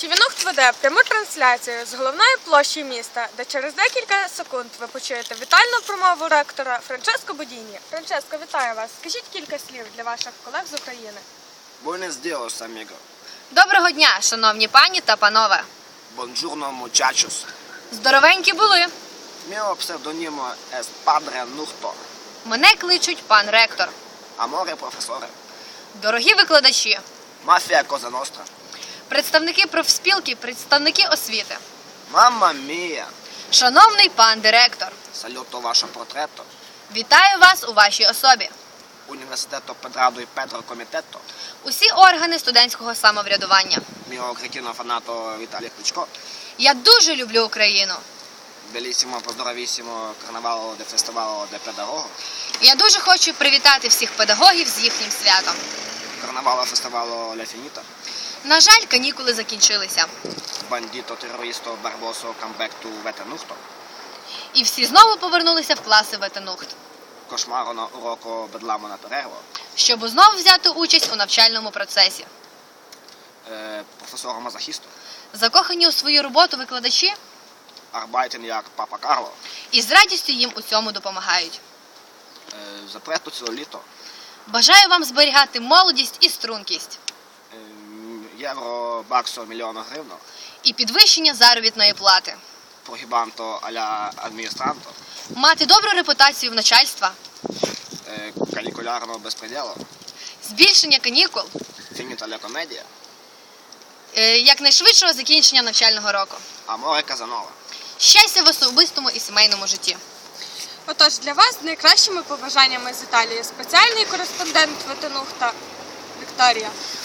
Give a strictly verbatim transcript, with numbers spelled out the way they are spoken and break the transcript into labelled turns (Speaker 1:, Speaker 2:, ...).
Speaker 1: Тівінухт веде пряму трансляцію з головної площі міста, де через декілька секунд ви почуєте вітальну промову ректора Франческо Бодіні. Франческо, вітаю вас. Скажіть кілька слів для ваших колег з України.
Speaker 2: Buenos días, amigo.
Speaker 3: Доброго дня, шановні пані та панове.
Speaker 2: Buongiorno, muchachos.
Speaker 3: Здоровенькі були.
Speaker 2: Mio pseudonimo es Padre Nuhto.
Speaker 3: Мене кличуть пан ректор.
Speaker 2: Amore professore.
Speaker 3: Дорогі викладачі,
Speaker 2: Mafia cosa nostra.
Speaker 3: представники профспілки, представники освіти.
Speaker 2: Mamma mia.
Speaker 3: Шановний пан директор,
Speaker 2: Saluto вашo portretto.
Speaker 3: вітаю вас у вашій особі.
Speaker 2: Universiteto Pedrado e Pedro Comiteto.
Speaker 3: Усі органи студентського самоврядування.
Speaker 2: Mio cretino fanato Vitaly Klitschko.
Speaker 3: Я дуже люблю Україну.
Speaker 2: Bellissimo, pozdravissimo carnaval de festival de pedagogo.
Speaker 3: Я дуже хочу привітати всіх педагогів з їхнім святом.
Speaker 2: Carnaval festival La Finita.
Speaker 3: На жаль, канікули закінчилися.
Speaker 2: Bandito, terroristo, barboso, comeback to Vetenuhto.
Speaker 3: І всі знову повернулися в класи Ветенухт,
Speaker 2: Кошмару на уроку бедлamo на перерву.
Speaker 3: щоб знову взяти участь у навчальному процесі.
Speaker 2: Е, професору мазохісту.
Speaker 3: Закохані у свою роботу викладачі
Speaker 2: Арбайтен як папа Карло.
Speaker 3: і з радістю їм у цьому допомагають.
Speaker 2: Е, запрету ціле літо.
Speaker 3: Бажаю вам зберігати молодість і стрункість.
Speaker 2: Е, євро, баксо, мільйона гривно.
Speaker 3: І підвищення заробітної плати.
Speaker 2: Прогібанто аля адміністранто.
Speaker 3: Мати добру репутацію в начальства.
Speaker 2: Е, калікулярного безпреділу.
Speaker 3: Збільшення канікул.
Speaker 2: Фініта ля комедія.
Speaker 3: е, Якнайшвидшого закінчення навчального року.
Speaker 2: Аморе Казанова.
Speaker 3: Щастя в особистому і сімейному житті.
Speaker 1: Отож, для вас з найкращими побажаннями з Італії спеціальний кореспондент Ветенухта Вікторія.